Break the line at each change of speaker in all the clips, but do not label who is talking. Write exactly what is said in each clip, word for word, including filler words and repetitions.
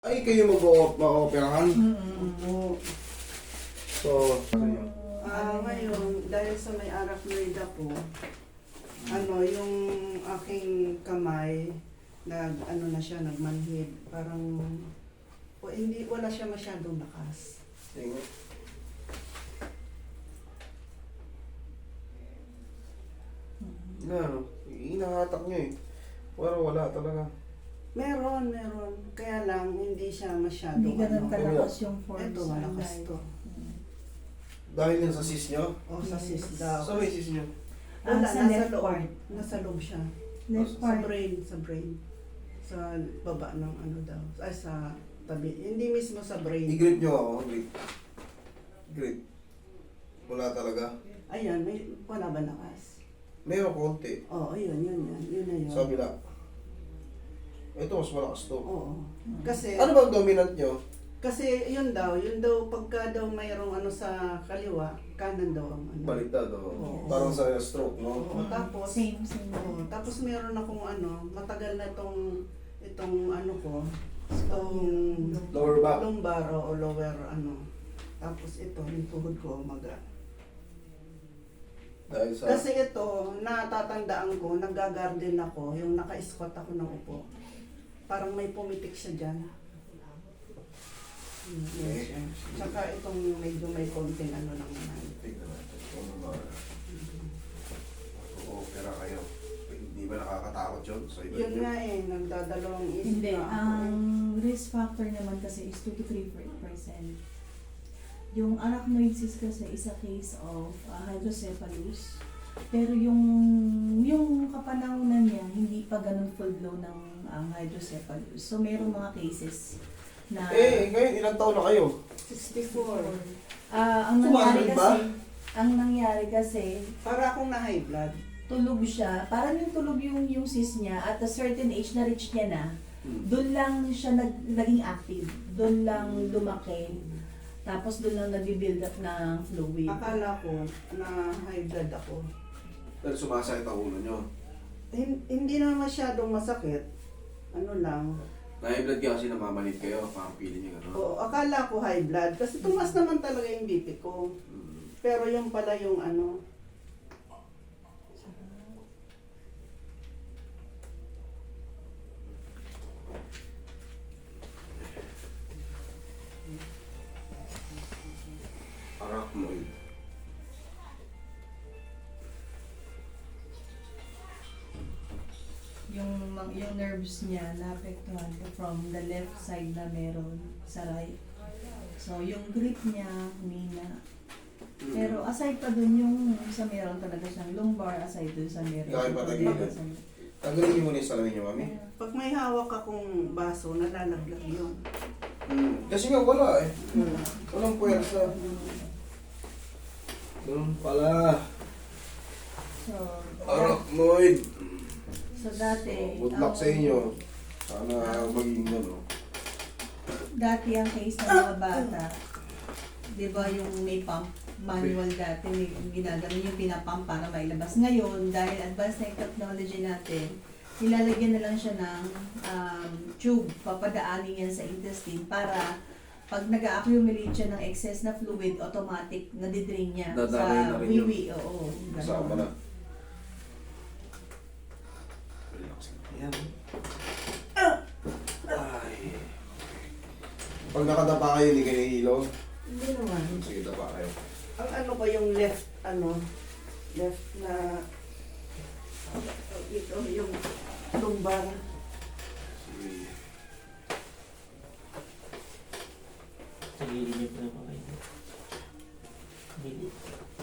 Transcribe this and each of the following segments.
Ay, kayo mag-o-operahan?
Oo.
So,
Ah, ngayon, dahil sa may arachnoid ako, ano, yung aking kamay, nag, ano na siya, nagmanhid. Parang, o, hindi, wala siya masyadong lakas.
tingin. Na, ano, inahatak niyo eh. Pero wala talaga.
Meron, meron. Kaya lang, hindi siya masyadong,
Hindi ganun
ano.
kalakas yung force.
Ito, malakas to.
Dahil yan sa sis niyo?
O, sa
Yes.
sis daw.
Sa may sis niyo?
Ah,
Wala,
sa
nasa
left
loob.
part.
Nasa loob siya.
Left
Sa
part.
brain, sa brain. Sa baba ng ano daw. Ay, sa tabi. Hindi mismo sa brain.
I-grip niyo ako, grip. Grip. Wala talaga.
Ayan, may, wala ba lakas?
Meron konti.
Oo, yun, yun, yun. Yun na yun.
Sa kabila. Ito, mas malakas to.
Oo. Kasi,
Ano ba ang dominant niyo?
kasi yun daw, yun daw, pagka daw mayroong ano sa kaliwa, kanan daw ang ano.
Baliktad, oh.
Oo.
Parang sa stroke, no?
Oo, tapos,
Same, same.
oo, tapos meron akong ano, matagal na itong, itong ano ko, itong
Lower back.
lumbar o lower ano. Tapos ito, yung tuhod ko, maga.
Dahil sa...
Kasi ito, natatandaan ko, nag-garden ako, yung naka-squat ako ng upo. Parang may pumitik siya dyan. Hmm, yes, yan. Tsaka itong medyo may konting ano lang naman.
Tignan natin. Kung ano ba. Oo-opera kayo. Hindi ba nakakatakot yun? Sa iba
Yun nga eh, nagdadalawang isip
Hindi.
na ako.
Ang risk factor naman kasi is two to three percent. Yung arachnoid cyst kasi is a case of uh, hydrocephalus. Pero yung yung kapanahonan niya, hindi pa ganun full blow ng ang hydrocephalus. So, merong mga cases na...
Eh, ngayon, ilang taon na kayo?
sixty-four.
Ah, ang nangyari
Tumagal ba?
kasi, ang nangyari kasi,
Para akong na high blood.
tulog siya. Parang yung tulog yung, yung cyst niya, at a certain age na reach niya na, doon lang siya nag, naging active. Doon lang lumaki. Tapos doon lang nag-build up ng fluid.
Akala ko na high blood ako.
Dahil sumasakit ang ulo nyo.
Hin- hindi na masyadong masakit. Ano lang.
Na-high-blood ka kasi namamalit kayo. Parang pili nyo gano'n.
Oo, akala ko high blood. Kasi tumas naman talaga yung B P ko.
Mm.
Pero yung pala yung ano.
Arachnoid.
Yung, mang- yung nerves niya naapektuhan ko from the left side na meron sa right. So, yung grip niya, humina.
Mm.
Pero aside pa dun yung sa meron talaga siyang lumbar, aside dun sa meron.
Kaya pa tayo
Meron
dito.
sa-
Tanggalin niyo muna yung salamin niyo, mami.
Pag may hawak akong baso, nalalaglag yun.
Mm. Kasi nga wala eh.
Wala.
Walang puwersa. Ganun pala.
So,
Arachnoid.
so dati,
Good luck
ang-
sa inyo. Sana maging gano'n.
Dati ang case ng mga bata, di ba yung may pump, manual dati, may ginagano yung pinapump para mailabas. Ngayon, dahil advanced na yung technology natin, nilalagyan na lang siya ng um, tube, papadaanin yan sa intestine para pag nag-accumulate siya ng excess na fluid, automatic nadidrain niya
Dadaloy na
sa
rin yun.
wiwi. Oo,
Kasama na.
ganun.
Relax lang. Ayan. Ay. Pag nakadapa kayo, hindi kayo nahihilo.
Hindi naman.
Sige, dapa kayo.
Ang ano ko yung left, ano, left na, ito yung lumbar.
Sige.
Tagilid niyo po yung kamay niyo. Tagilid.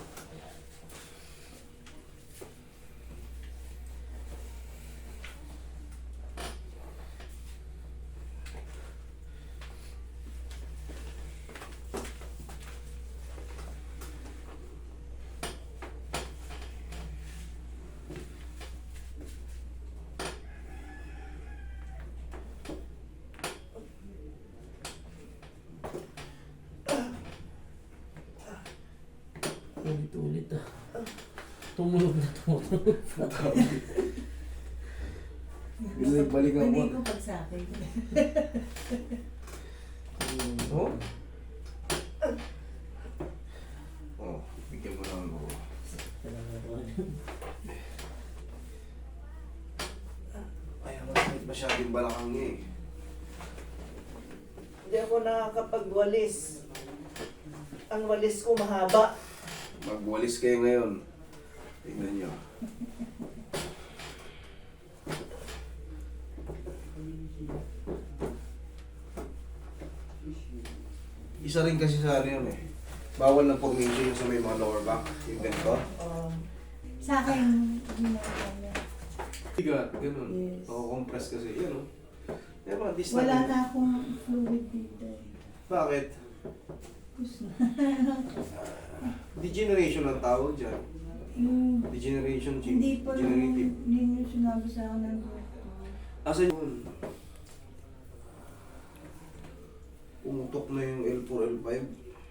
Ulit-ulit ah. Tumulog na tumulog.
Balik-balikan
Hindi
mo.
ko pag sa akin.
yung balakang niya eh.
Hindi ako nakakapagwalis. Ang walis ko mahaba.
Magwalis kayo ngayon. Tingnan nyo. Isa rin kasi sa ano yun eh. Bawal ng formation yung sa may mga lower back. Yung ganito.
Um,
Sa akin, ginagawa niya.
Bigat, ganun.
Yes.
Nako-compress kasi. Yan o. Yan mga distal.
Wala na akong fluid dito eh.
Bakit?
Gusto na.
Degeneration ang tawag dyan.
Yung,
Degeneration,
hindi pa naman,
degenerative.
hindi nyo sinabi sa akin ng doktor.
Asa yun? Umutok na yung L four, L five.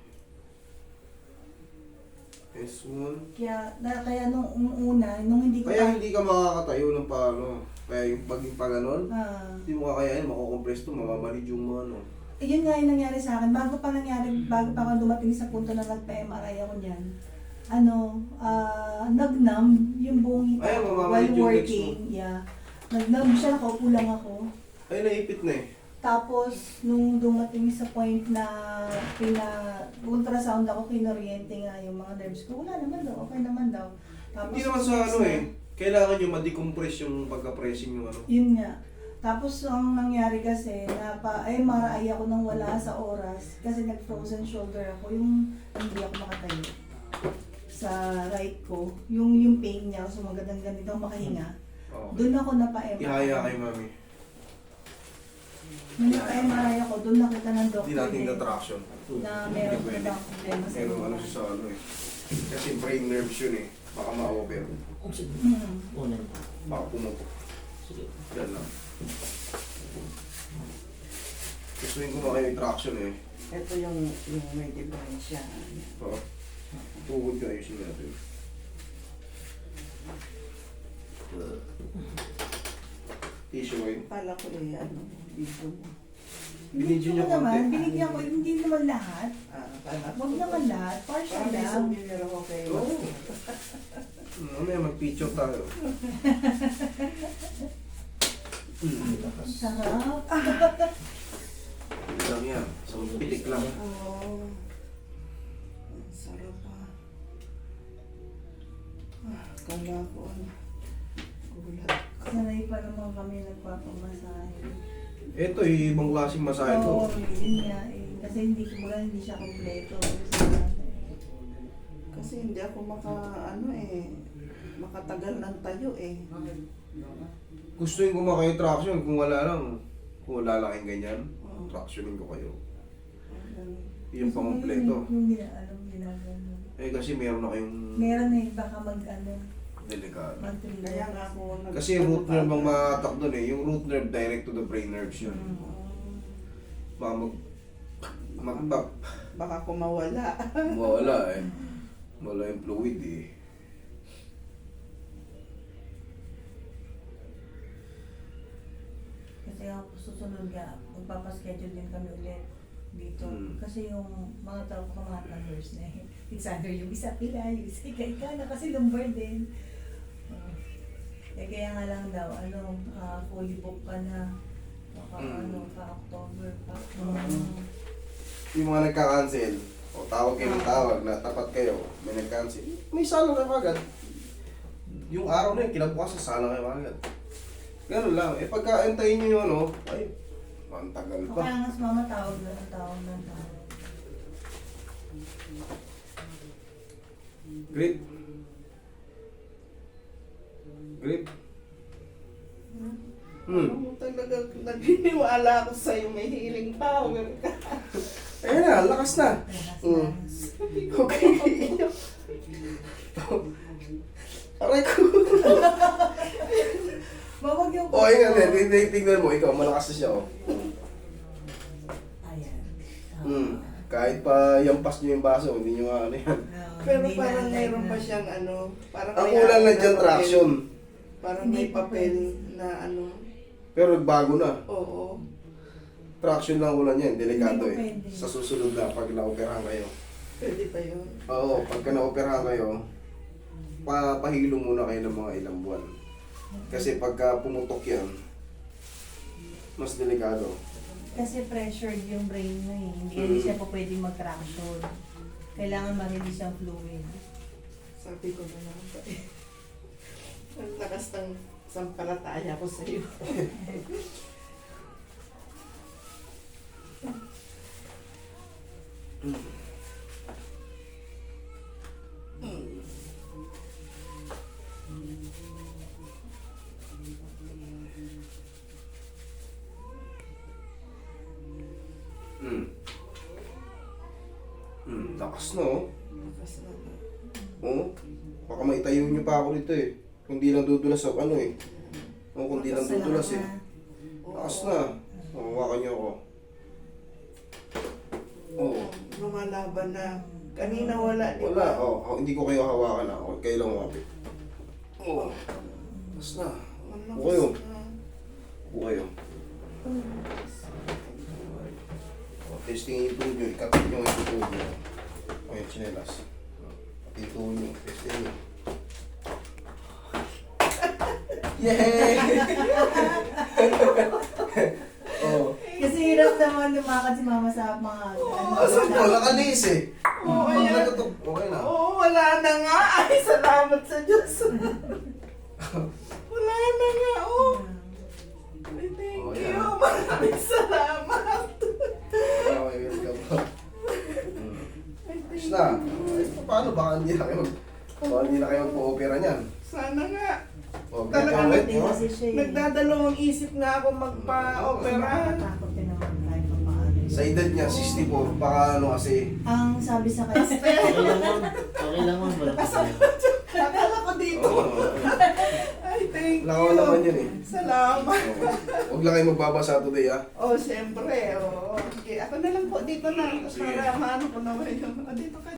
S one.
Kaya, na, kaya nung nung una, nung hindi ko
Kaya hindi ka makakatayo ng paano. Kaya yung pag yung pa ganon,
Ah,
hindi mo kakayain, makukompress to, mamamalid yung mga ano.
eh, yun nga yung nangyari sa akin. Bago pa nangyari, bago pa ako dumating sa punto na nagpa-M R I ako niyan, ano, ah, nagnam yung buong hita
Ay,
ko
mamamalid
while
yung legs
working. Yeah. Nagnam siya, nakaupo lang ako.
Ay, naipit na eh.
Tapos, nung dumating sa point na pina ultrasound ako, kinoriente nga yung mga nerves ko, wala naman daw, okay naman daw. Tapos,
Hindi naman sa
next
ano
na-
eh. Kailangan nyo ma-decompress yung pagka-pressing yung ano.
Yun nga. Tapos, ang nangyari kasi, napa-M R I ako nang wala sa oras kasi nag-frozen shoulder ako, yung hindi ako makatayo sa right ko. Yung yung pain niya, so magandang ganito ako makahinga.
Oo.
Doon ako napa-M R I.
Ihaya kay mami.
Nung napa-M R I ako, doon nakita ng
Hindi
doctor
natin
din
na traction.
na meron
Hindi
ko
pwede.
daw problema sa
Pero ano
loob.
siya sa ano eh. Kasi brain nerves yun eh. Baka ma-over.
Ang sige.
Mm.
Unan.
Baka pumutok.
Sige.
Yan lang. Gustuin ko makayo yung traction eh.
ito yung, yung may diferensya.
Oo. Tuhod ko ayusin natin. Tissue ko yun.
Kala ko eh, ano, dito mo.
Binidyo niya
Hindi ko naman,
konti.
binigyan ko, hindi naman lahat.
Ah, kala ko.
Huwag naman lahat, partial
Parang may
lang.
souvenir ako kayo.
Oo. Mamaya mag-picture tayo. Hmm.
Sarap.
Hindi lang yan. So, pitik lang.
Oo. Ang sarap ah. Ah, kala ko ano. Gulat.
Sanay pa naman kami nagpapamasahe.
Ito, eh, ibang klaseng masahe
Oo,
to.
yun nga eh. Kasi hindi ko mula, hindi siya kompleto.
Kasi hindi ako maka, ano eh, makatagal ng tayo eh.
Gustuin ko makayo traction kung wala lang. Kung wala lang yung ganyan,
Oo.
tractionin ko kayo.
Ganun.
Yung pangompleto.
Yung gina, alam, ginagano.
Eh kasi meron na kayong
Meron eh, baka mag ano,
delikado.
mag
Kaya nga ako nag...
Kasi root nerve ang makatak doon eh. Yung root nerve direct to the brain nerves yun.
Mm.
Baka mag... Mag-tap.
Baka ko mawala.
Wala eh. Wala yung fluid eh.
Kasi ako susunod nga, magpapaschedule din kami ulit dito.
Mm.
Kasi yung mga tao ko mga nurse na eh. It's either yung isa pila, yung isa ika na kasi lumbar din. Uh, eh kaya nga lang daw, ano, ah, fully book ka na. Baka
Mm.
ano, pa October pa.
Mm.
Yung mga nagka-cancel, o tawag kayo ng tawag na tapat kayo, may nag-cancel, may sala kayo agad. Yung araw na yun, kinabukasan sala kayo agad. Ganun lang. Eh pagka antayin nyo yung ano, ay, ang tagal pa.
Kaya nga sa mama tawag na, tawag na, tawag.
Grip. Grip. Hmm.
Ano talaga, naginiwala ako sa'yo, may healing power ka.
Ayan na, lakas na.
Relax,
Mm.
relax.
Okay. Aray ko.
Bawag yung
O, ayun nga, tingnan tingnan mo, ikaw, malakas na siya, oh.
Ayan.
Hmm. Kahit pa yampas nyo yung baso, hindi nyo nga ano yan.
No,
Pero
hindi
parang
na-
mayroon pa siyang ano, parang
Ang
may
kulang
ano
na dyan,
papel.
traction.
Parang
Hindi
may
pa
papel
pwede.
na ano,
Pero bago na.
oo.
Traction lang ulan yan, delikado
Hindi pa
eh.
pwede.
Sa susunod na, pag na-operahan kayo.
Pwede pa yun.
Oo, pagka na-operahan kayo, pa pahilo muna kayo ng mga ilang buwan. Kasi pagka pumutok yan, Mas delikado.
Kasi pressured yung brain mo eh. Hindi
Mm.
hindi siya po pwedeng mag-traction. Kailangan ma-release ang fluid.
Sabi ko na naman ba eh. Ang lakas ng sampalataya ko sa iyo.
Hmm. Hmm, lakas na oh.
Lakas na.
Oo. Baka maitayo niyo pa ako dito eh. Kung di lang dudulas sa ano eh. Oo, kung di lang dudulas eh. Lakas na. Oo, hawakan niyo ako. Oo.
Lumalaban na. Kanina wala, di
Wala.
ba?
Oo, oh, hindi ko kayo hawakan ako. Kayo lang umapit. Oo. Lakas na.
Ang
Upo kayo.
lakas na.
Upo kayo. Oh, testingin yung tuhod niyo. Ikapit niyo yung tuhod niyo. O yung chinelas. Pati yung tuhod niyo. Testingin niyo. Yay! Oh.
Kasi hirap naman lumakad si mama sa mga ano.
Asan po? Nakalis eh.
Oo,
Pag
ayan.
nagtutok, okay na.
Oo, wala na nga. Ay, salamat sa Diyos. Wala na nga, oh. Ay, thank
Oh,
you.
yan.
Maraming salamat.
Okay, welcome po. Hmm.
Ay, thank
Tapos na.
you.
Ay, paano? Baka hindi na kayo mag... Baka hindi na kayo magpo-opera niyan.
Sana nga.
O,
Talaga
ganito,
Hindi
oh.
kasi siya eh.
Nagdadalawang isip nga ako magpa-opera.
Nakakatakot din naman kahit pa paano.
Sa edad niya, sixty-four, baka ano kasi...
Ang sabi sa kanya,
Okay lang ma'am. Okay lang ma'am. Wala pa
Akala ko dito.
Oo.
Ay, thank you.
Lakaw naman yun eh.
Salamat.
Oo. Huwag lang kayo magbabasa today ah.
Oh, siyempre. Oh. Okay, ako na lang po dito na.
Sige.
Para maano ko naman yun. Oh, dito ka